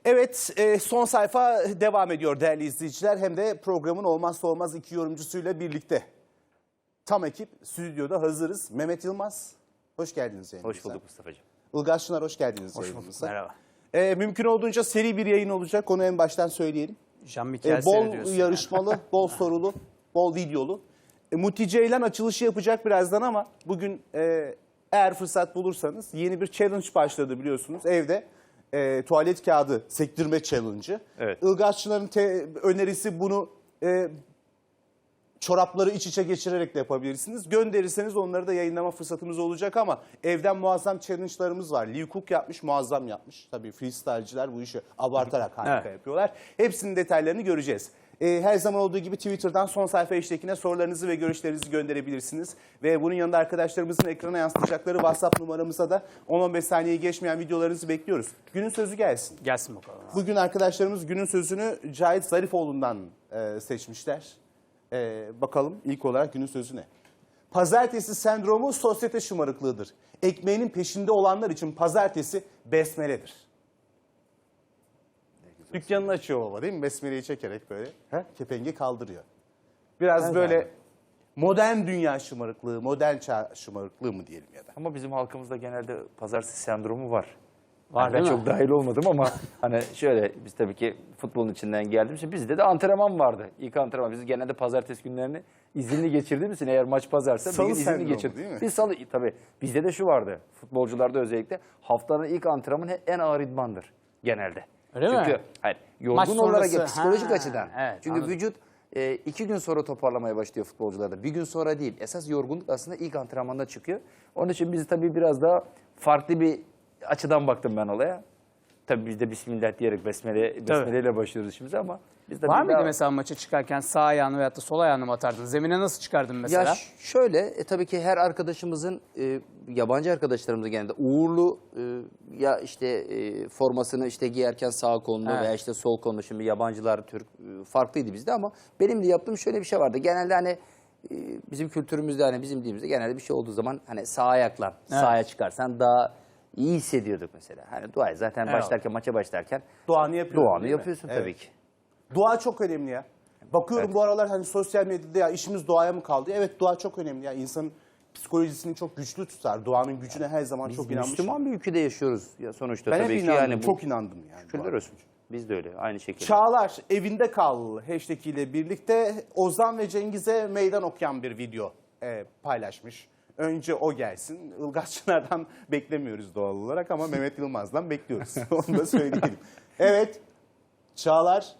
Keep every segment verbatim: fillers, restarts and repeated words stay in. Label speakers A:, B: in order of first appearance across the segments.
A: Evet, e, son sayfa devam ediyor değerli izleyiciler. Hem de programın olmazsa olmaz iki yorumcusuyla birlikte. Tam ekip stüdyoda hazırız. Mehmet Yılmaz, hoş geldiniz yayınımıza.
B: Hoş bulduk Mustafa'cığım.
A: Ilgaz Çınar, hoş geldiniz
C: Hoş
A: yayınımıza.
C: bulduk, merhaba.
A: E, mümkün olduğunca seri bir yayın olacak, onu en baştan söyleyelim.
C: Jean-Michel
A: E, bol
C: seyrediyorsun
A: yarışmalı,
C: yani.
A: bol sorulu, bol videolu. E, Muti Ceylan açılışı yapacak birazdan ama bugün e, eğer fırsat bulursanız yeni bir challenge başladı biliyorsunuz evde. E, tuvalet kağıdı sektirme challenge'ı.
B: Evet.
A: Ilgaz Çınar'ın te- önerisi bunu e, çorapları iç içe geçirerek de yapabilirsiniz. Gönderirseniz onları da yayınlama fırsatımız olacak ama evden muazzam challenge'larımız var. Lee Cook yapmış, muazzam yapmış. Tabii freestyle'ciler bu işi abartarak harika
C: Evet.
A: yapıyorlar. Hepsinin detaylarını göreceğiz. Ee, her zaman olduğu gibi Twitter'dan son sayfa hashtag'ine sorularınızı ve görüşlerinizi gönderebilirsiniz. Ve bunun yanında arkadaşlarımızın ekrana yansıtacakları WhatsApp numaramıza da on on beş saniyeyi geçmeyen videolarınızı bekliyoruz. Günün sözü gelsin.
C: Gelsin bakalım.
A: Bugün arkadaşlarımız günün sözünü Cahit Zarifoğlu'ndan e, seçmişler. E, bakalım ilk olarak günün sözü ne? Pazartesi sendromu sosyete şımarıklığıdır. Ekmeğinin peşinde olanlar için pazartesi besmeledir. Dükkanını açıyor baba değil mi? Besmeleyi çekerek böyle he? Kepengi kaldırıyor. Biraz
B: Evet
A: böyle
B: abi.
A: modern dünya şımarıklığı, modern çağ şımarıklığı mı diyelim ya da.
B: Ama bizim halkımızda genelde pazartesi sendromu var.
C: Var
B: Yani ben
C: değil mi?
B: çok dahil olmadım ama hani şöyle biz tabii ki futbolun içinden geldiğimiz için bizde de antrenman vardı. İlk antrenman. Biz genelde pazartesi günlerini izinli geçirdiğimiz için eğer maç pazarsa
A: Salı
B: bir gün izinli
A: sendromu
B: geçir.
A: değil mi?
B: Biz salı tabii bizde de şu vardı. Futbolcularda özellikle haftanın ilk antrenmanı en ağır idmandır genelde.
C: Öyle
B: Çünkü,
C: mi?
B: hayır,
C: Maç
B: yorgun olarak
C: sonrası,
B: ya, psikolojik
C: ha,
B: açıdan.
C: evet,
B: Çünkü
C: anladım.
B: vücut e, iki gün sonra toparlamaya başlıyor futbolcularda. Bir gün sonra değil. Esas yorgunluk aslında ilk antrenmanda çıkıyor. Onun için biz tabii biraz daha farklı bir açıdan baktım ben olaya. Tabii biz de Bismillah diyerek besmele, besmeleyle başlıyoruz işimize ama biz de
C: Var
B: bir
C: mıydı
B: daha-
C: mesela maça çıkarken sağ ayağını veyahut da sol ayağını mı atardın? Zemine nasıl çıkardın mesela?
B: Ya ş- şöyle e, tabii ki her arkadaşımızın e, yabancı arkadaşlarımızın genelde uğurlu e, ya işte e, formasını işte giyerken sağ kolunu
C: Evet.
B: veya işte sol kolunu, şimdi yabancılar Türk e, farklıydı bizde ama benim de yaptığım şöyle bir şey vardı. Genelde hani e, bizim kültürümüzde hani bizim dilimizde genelde bir şey olduğu zaman hani sağ ayakla sağa çıkarsan daha iyi hissediyorduk mesela. Hani dua zaten
C: Evet.
B: başlarken maça başlarken
A: Duanı yapıyorsun
B: duanı
A: değil mi?
B: yapıyorsun
A: Evet.
B: tabii ki.
A: Dua çok önemli ya. Bakıyorum
B: Evet.
A: bu aralar hani sosyal medyada ya işimiz duaya mı kaldı? Evet, dua çok önemli ya. İnsanın psikolojisini çok güçlü tutar. Duanın gücüne her zaman
B: Biz
A: çok inanmışım.
B: Müslüman bir ülkede yaşıyoruz ya sonuçta
A: Ben
B: tabii
A: hep
B: ki
A: inandım,
B: yani bu-
A: çok inandım yani.
B: Şükürler
A: dua.
B: olsun. Biz de öyle aynı şekilde.
A: Çağlar evinde kal hashtag ile birlikte Ozan ve Cengiz'e meydan okuyan bir video e, paylaşmış. Önce o gelsin. Ilgaz Çınar'dan beklemiyoruz doğal olarak ama Mehmet Yılmaz'dan bekliyoruz. Onu da söyleyelim. Evet, Çağlar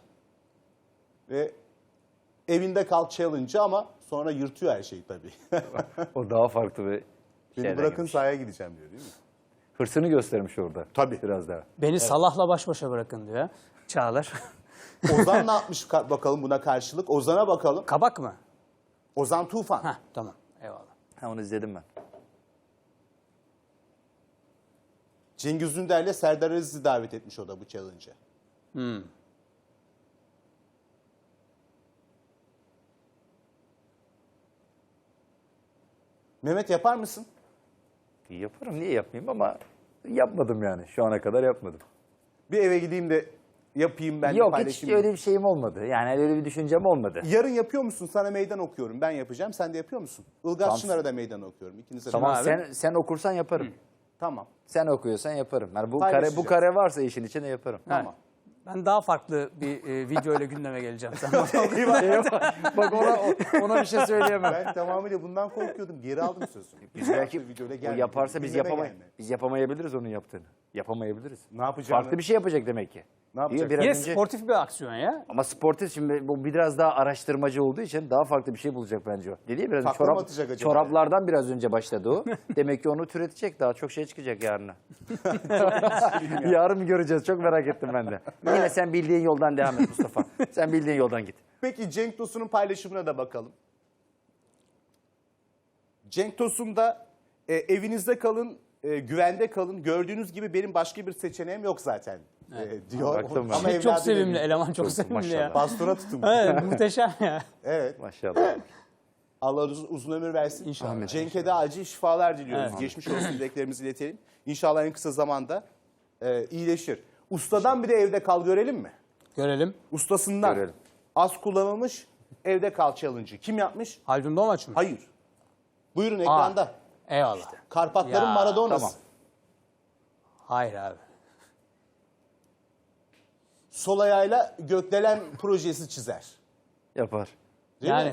A: ve evinde kal challenge'ı ama sonra yırtıyor her şeyi tabii.
B: O daha farklı bir
A: Beni
B: şeyden
A: bırakın
B: gelmiş.
A: sahaya gideceğim diyor değil mi?
B: Hırsını göstermiş orada.
A: Tabii.
B: Biraz daha.
C: Beni Salah'la baş başa bırakın diyor. Çağlar.
A: Ozan ne yapmış ka- bakalım buna karşılık? Ozan'a bakalım.
C: Kabak mı?
A: Ozan Tufan.
C: Heh, tamam. Eyvallah.
B: Ha, onu izledim ben.
A: Cengiz Ünder'le Serdar Aziz'i davet etmiş o da bu challenge'a.
C: Hmm.
A: Mehmet yapar mısın?
B: Yaparım, niye yapmayayım ama yapmadım yani. Şu ana kadar yapmadım.
A: Bir eve gideyim de yapayım ben de
B: Yok, hiç
A: paylaşayım.
B: öyle bir şeyim olmadı. Yani öyle bir düşüncem olmadı.
A: Yarın yapıyor musun? Sana meydan okuyorum. Ben yapacağım. Sen de yapıyor musun? Ilgaz
B: Tamam.
A: Çınar'a da meydan okuyorum. İkinize de.
B: Tamam,
C: abi?
B: sen sen okursan yaparım.
A: Tamam.
B: Sen okuyorsan yaparım. Yani bu kare
A: Paylaşacağız.
B: bu kare varsa işin içinde yaparım.
A: Tamam.
C: Ben daha farklı bir e, video ile gündeme geleceğim. Sen
B: Bak ona ona bir şey söyleyemem.
A: Ben tamamıyla bundan korkuyordum. Geri aldım sözümü.
B: Biz belki
A: videoda
B: o
A: gelme.
B: yaparsa biz
A: Gündeme
B: yapamay
A: gelme.
B: biz yapamayabiliriz onun yaptığını. Yapamayabiliriz.
A: Ne yapacağını-
B: Farklı bir şey yapacak demek ki.
A: Ne yapacak?
B: Biraz
C: Yine
B: önce-
C: sportif bir aksiyon ya.
B: Ama sportif şimdi bu biraz daha araştırmacı olduğu için daha farklı bir şey bulacak bence o. Dedi ya biraz önce,
A: Takla mı atacak acaba?
B: çoraplardan biraz önce başladı o. Demek ki onu türetecek, daha çok şey çıkacak yarına. Yarın göreceğiz, çok merak ettim ben de. Yine sen bildiğin yoldan devam et Mustafa. Sen bildiğin yoldan git.
A: Peki Cenk Tosun'un paylaşımına da bakalım. Cenk Tosun da e, evinizde kalın, e, güvende kalın. Gördüğünüz gibi benim başka bir seçeneğim yok zaten e, diyor.
B: Baktım ben.
A: Ama
C: Çok
A: evladım
C: sevimli.
A: evinde.
C: Eleman çok sevimli
B: maşallah.
C: ya.
A: Bastora tutun.
C: Evet, muhteşem ya.
A: Evet.
B: Maşallah.
A: Allah uzun, uzun ömür versin.
C: İnşallah.
A: Cenk'e de acil şifalar diliyoruz.
C: Evet.
A: Geçmiş olsun dileklerimizi iletelim. İnşallah en kısa zamanda e, iyileşir. Ustadan bir de evde kal görelim mi?
C: Görelim.
A: Ustasından.
B: Görelim.
A: Az kullanılmış evde kal challenge'ı. Kim yapmış?
C: Haldun Domaç mı?
A: Hayır. Buyurun
C: Aa,
A: ekranda.
C: Eyvallah.
A: Karpatların
C: Ya,
A: Maradona'sı.
B: tamam.
C: Hayır abi.
A: Sol ayağıyla gökdelen projesi çizer.
B: Yapar.
A: Değil
C: yani
A: mi?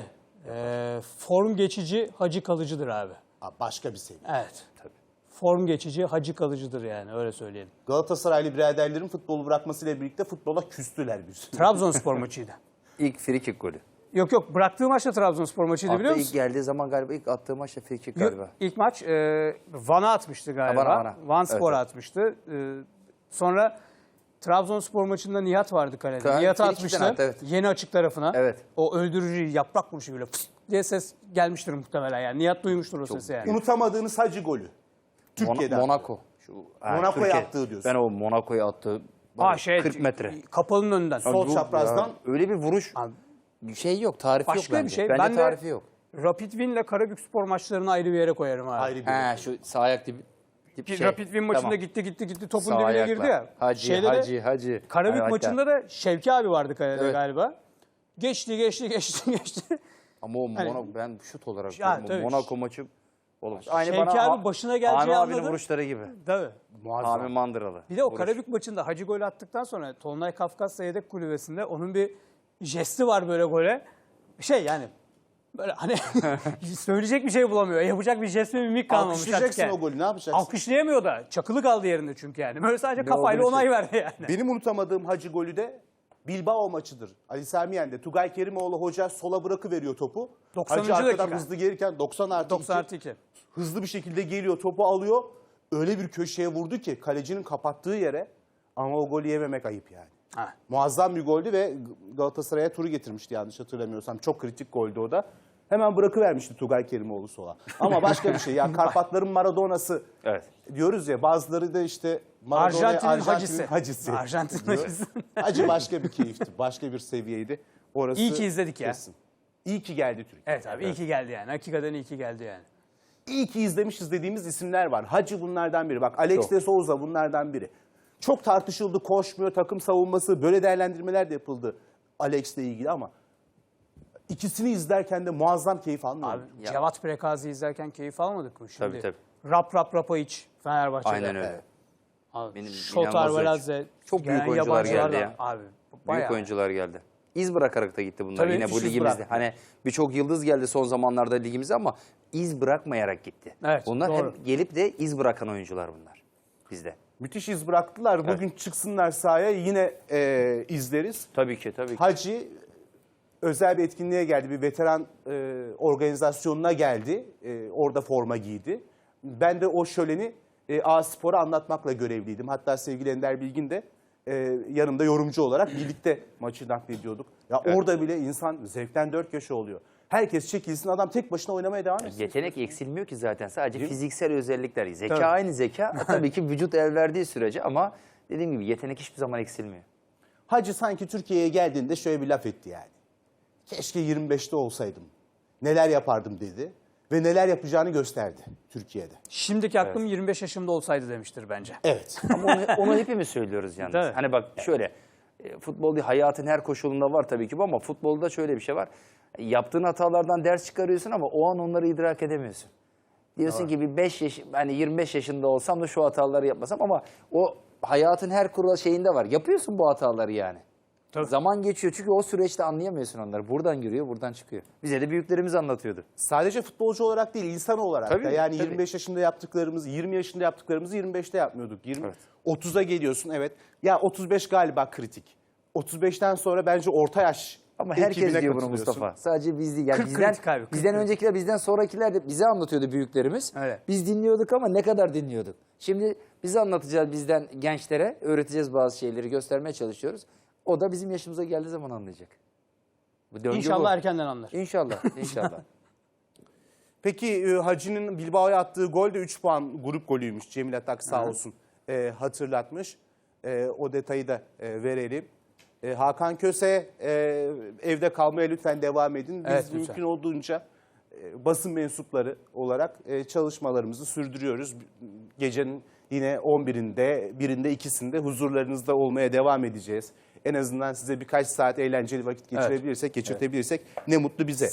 C: e, form geçici, hacı kalıcıdır abi.
A: Aa, başka bir seviye.
C: Evet. Form geçici, hacı kalıcıdır yani öyle söyleyelim.
A: Galatasaraylı biraderlerin futbolu bırakmasıyla birlikte futbola küstüler biz.
C: Trabzonspor maçıydı.
B: İlk free kick golü.
C: Yok yok bıraktığı maç da Trabzonspor maçıydı biliyor
B: Hatta ilk
C: musun?
B: geldiği zaman galiba ilk attığı maç da free kick
C: Yok,
B: galiba.
C: İlk maç e, Van'a atmıştı galiba.
B: Ha, Van'a, Van'a.
C: Van Spor'a
B: Evet, evet.
C: atmıştı. E, sonra Trabzonspor maçında Nihat vardı kalede.
B: Tabii,
C: Nihat'ı
B: free kick'ten
C: atmıştı.
B: attı, evet.
C: Yeni açık tarafına.
B: Evet.
C: O öldürücü yaprak vuruşu böyle pıs diye ses gelmiştir muhtemelen yani. Nihat duymuştur o sesi yani.
A: Unutamadığınız hacı golü. Türkiye'den.
B: Mon- Monaco. Şu, ha,
A: Monaco'ya
B: Türkiye.
A: attığı diyorsun.
B: Ben o Monaco'ya attığı
C: Aa, şey,
B: kırk metre.
C: Kapalının önünden.
A: Sol
B: Bu-
A: çaprazdan.
B: ya, öyle bir vuruş.
C: Abi,
B: Şey yok, tarifi
C: başka
B: yok
C: bir
B: bence.
C: şey.
B: Bence
C: Ben de
B: tarifi yok.
C: Rapid Win'le Karabükspor maçlarını ayrı bir yere koyarım abi.
A: Ayrı bir.
B: He şu sağ ayak dibi. tip
C: Ki
B: şey.
C: Rapid Win maçında
B: Tamam.
C: gitti gitti gitti topun
B: Sağ
C: dibine
B: ayakla.
C: girdi ya.
B: Hacı,
C: Şeyde de-
B: hacı, hacı.
C: Karabük
B: Hatta-
C: maçında da Şevki abi vardı kalede
B: Evet.
C: galiba. Geçti geçti geçti geçti.
B: Ama o
C: Hani-
B: Monaco, ben şut olarak
C: Ya,
B: diyorum, o
C: tabii.
B: Monaco maçı oğlum.
C: Şevki abi başına geleceği
B: Hami abinin
C: anladı.
B: vuruşları gibi.
C: Tabii.
B: Hami Mandıralı.
C: Bir de o
B: Vuruş.
C: Karabük maçında Hacı gol attıktan sonra Tolunay Kafkasya yedek kulübesinde onun bir jesti var böyle gole. Şey yani böyle hani söyleyecek bir şey bulamıyor. Yapacak bir jest ve mimik kalmamış artık
A: Alkışlayacaksın
C: yani.
A: o golü, ne yapacaksın?
C: Alkışlayamıyor da. Çakılı kaldı yerinde çünkü yani. Böyle sadece kafayla
B: olduğunu
C: onay verdi yani.
A: Benim unutamadığım hacı golü de Bilbao maçıdır. Ali Sami Yen'de. Tugay Kerimoğlu hoca sola bırakıveriyor topu.
C: doksanıncı
A: Hacı arkadan
C: dakika.
A: hızlı gelirken doksan artı
C: doksan
A: iki,
C: artı iki.
A: hızlı bir şekilde geliyor, topu alıyor. Öyle bir köşeye vurdu ki kalecinin kapattığı yere, ama o golü yememek ayıp yani.
C: Ha.
A: Muazzam bir goldü ve Galatasaray'a turu getirmişti yanlış hatırlamıyorsam. Çok kritik goldü o da. Hemen bırakıvermişti Tugay Kerimoğlu sola. Ama başka bir şey. Ya Karpatların Maradona'sı
B: Evet.
A: diyoruz ya, bazıları da işte Maradona
C: Arjantin'in
A: Arjantin'in
C: hacısı.
A: hacısı.
C: Arjantin'in
A: diyor.
C: hacısı.
A: Hacı başka bir keyifti. Başka bir seviyeydi. Orası
C: İyi ki izledik ya.
A: kesin. İyi ki geldi Türkiye.
C: Evet abi iyi ki geldi yani. Hakikaten iyi ki geldi yani.
A: İyi ki izlemişiz dediğimiz isimler var. Hacı bunlardan biri. Bak Alex de Souza bunlardan biri. Çok tartışıldı, koşmuyor, takım savunması, böyle değerlendirmeler de yapıldı Alex'le ilgili ama ikisini izlerken de muazzam keyif almıyorum.
C: Abi Cevat Prekazi izlerken keyif almadık mı şimdi?
B: Tabii, tabii.
C: Rap Rap Rapayiç Fenerbahçe'de.
B: Aynen öyle.
A: Evet.
C: Abi,
B: Benim
C: Şotar
B: inanılmaz
C: Veladze.
B: Çok büyük
C: gelen
B: oyuncular
C: yabancılar
B: geldi
C: da-
B: ya.
C: Abi
B: Büyük
C: bayağı.
B: oyuncular geldi. İz bırakarak da gitti bunlar
C: Tabii,
B: yine bu
A: müthiş iz
B: ligimizde.
A: bıraktı.
B: Hani birçok yıldız geldi son zamanlarda ligimize ama iz bırakmayarak gitti.
C: Evet,
B: Bunlar
C: doğru.
B: hep gelip de iz bırakan oyuncular bunlar bizde.
A: Müthiş iz bıraktılar. Bugün çıksınlar sahaya, yine e, izleriz.
B: Tabii ki tabii ki.
A: Hacı özel bir etkinliğe geldi. Bir veteran e, organizasyonuna geldi. E, orada forma giydi. Ben de o şöleni e, A-Spor'a anlatmakla görevliydim. Hatta sevgili Ender Bilgin de e, yanımda yorumcu olarak birlikte maçı naklediyorduk. Ya
B: Evet.
A: orada bile insan zevkten dört köşe oluyor. Herkes çekilsin, adam tek başına oynamaya devam etsin.
B: Yetenek eksilmiyor ki zaten. Sadece fiziksel özellikler. Zeka
C: Tabii.
B: aynı zeka. Tabii ki vücut el verdiği sürece ama dediğim gibi yetenek hiçbir zaman eksilmiyor.
A: Hacı sanki Türkiye'ye geldiğinde şöyle bir laf etti yani. Keşke yirmi beşte olsaydım. Neler yapardım dedi. Ve neler yapacağını gösterdi Türkiye'de.
C: Şimdiki aklım yirmi beş yaşımda olsaydı demiştir bence.
A: Evet.
B: Ama onu, onu hepimiz söylüyoruz yalnız.
C: Tabii.
B: Hani bak şöyle, e, futbol değil, hayatın her koşulunda var tabii ki bu ama futbolda şöyle bir şey var. E, Yaptığın hatalardan ders çıkarıyorsun ama o an onları idrak edemiyorsun. Diyorsun ki bir beş yaş, hani yirmi beş yaşında olsam da şu hataları yapmasam ama o hayatın her kural şeyinde var. Yapıyorsun bu hataları yani.
C: Tabii.
B: Zaman geçiyor çünkü o süreçte anlayamıyorsun onları. Buradan giriyor, buradan çıkıyor. Bize de büyüklerimiz anlatıyordu.
A: Sadece futbolcu olarak değil, insan olarak
B: Tabii,
A: da. Yani
B: tabii.
A: yirmi beş yaşında yaptıklarımızı, yirmi yaşında yaptıklarımızı yirmi beşte yapmıyorduk. yirmi,
B: Evet.
A: otuza geliyorsun, evet. Ya otuz beş galiba kritik. otuz beşten sonra bence orta yaş
B: Ama herkes
A: ekibine
B: diyor bunu
A: katılıyorsun.
B: Mustafa. Sadece biz değil. Yani
C: kırk
B: bizden,
C: kritik abi, kırk
B: bizden
C: kritik.
B: öncekiler, bizden sonrakiler de bize anlatıyordu büyüklerimiz.
C: Öyle.
B: Biz dinliyorduk ama ne kadar dinliyorduk. Şimdi bize anlatacağız, bizden gençlere öğreteceğiz bazı şeyleri, göstermeye çalışıyoruz. O da bizim yaşımıza geldiği zaman anlayacak. Bu döngü
C: İnşallah
B: bu.
C: erkenden anlar.
B: İnşallah, inşallah.
A: Peki e, Hacı'nın Bilbao'ya attığı gol de üç puan grup golüymüş. Cemil Atak sağ olsun e, hatırlatmış. E, o detayı da e, verelim. E, Hakan Köse e, evde kalmaya lütfen devam edin. Biz
C: Evet, lütfen.
A: mümkün olduğunca e, basın mensupları olarak e, çalışmalarımızı sürdürüyoruz. Gecenin Yine on birinde, birinde, ikisinde huzurlarınızda olmaya devam edeceğiz. En azından size birkaç saat eğlenceli vakit geçirebilirsek, geçirtebilirsek ne mutlu bize.